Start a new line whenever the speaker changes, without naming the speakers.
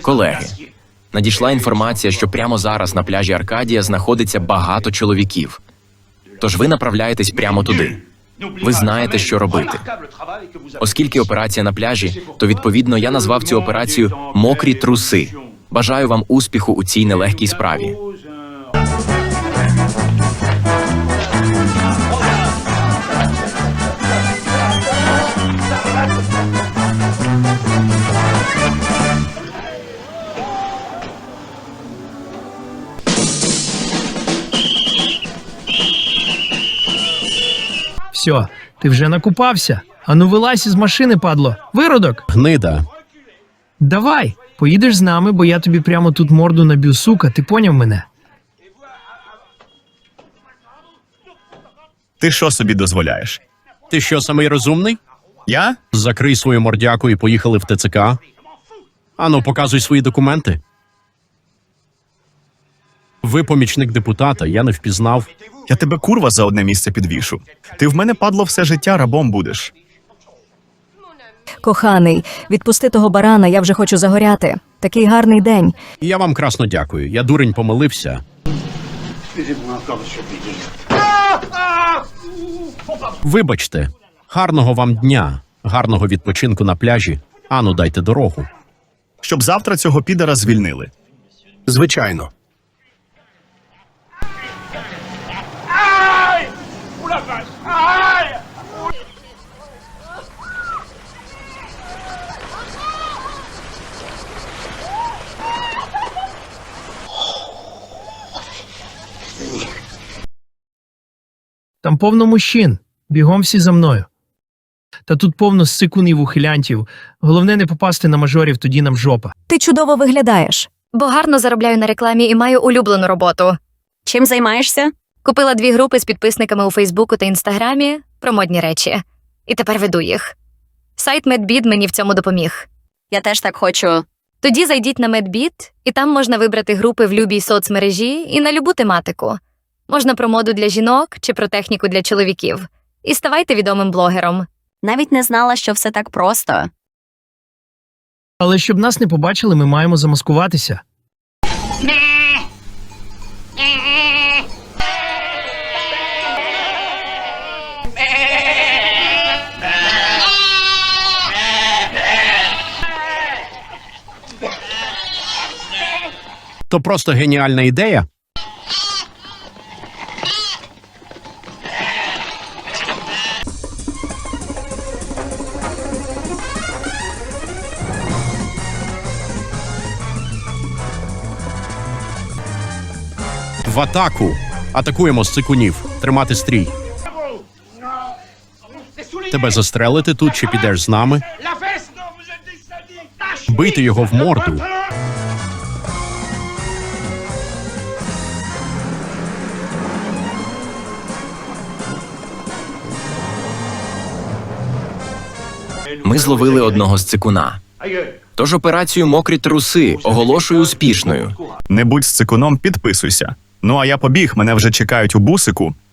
Колеги, надійшла інформація, що прямо зараз на пляжі Аркадія знаходиться багато чоловіків. Тож ви направляєтесь прямо туди. Ви знаєте, що робити. Оскільки операція на пляжі, то, відповідно, я назвав цю операцію «Мокрі труси». Бажаю вам успіху у цій нелегкій справі.
Все, ти вже накупався? Ану вилазь із машини, падло. Виродок!
Гнида.
Давай, поїдеш з нами, бо я тобі прямо тут морду наб'ю, сука, ти поняв мене?
Ти що собі дозволяєш?
Ти що, самий розумний?
Я?
Закрий свою мордяку і поїхали в ТЦК. Ану, показуй свої документи. Ви помічник депутата, я не впізнав.
Я тебе курва за одне місце підвішу. Ти в мене, падло, все життя рабом будеш.
Коханий, відпусти того барана, я вже хочу загоряти. Такий гарний день.
І я вам красно дякую. Я, дурень, помилився. Вибачте. Гарного вам дня. Гарного відпочинку на пляжі. Ану, дайте дорогу.
Щоб завтра цього підара звільнили.
Звичайно.
Там повно мужчин. Бігом всі за мною. Та тут повно сикунів ухилянтів. Головне не попасти на мажорів, тоді нам жопа.
Ти чудово виглядаєш.
Бо гарно заробляю на рекламі і маю улюблену роботу.
Чим займаєшся?
Купила 2 групи з підписниками у Фейсбуку та Інстаграмі про модні речі. І тепер веду їх. Сайт Medbit мені в цьому допоміг.
Я теж так хочу.
Тоді зайдіть на Medbit, і там можна вибрати групи в любій соцмережі і на любу тематику. Можна про моду для жінок чи про техніку для чоловіків. І ставайте відомим блогером.
Навіть не знала, що все так просто.
Але щоб нас не побачили, ми маємо замаскуватися.
То просто геніальна ідея. В атаку. Атакуємо з цикунів. Тримати стрій. Тебе застрелити тут чи підеш з нами? Бити його в морду.
Ми зловили одного з цикуна. Тож операцію «Мокрі труси» оголошую успішною.
Не будь з цикуном, підписуйся. Ну а я побіг, мене вже чекають у бусику.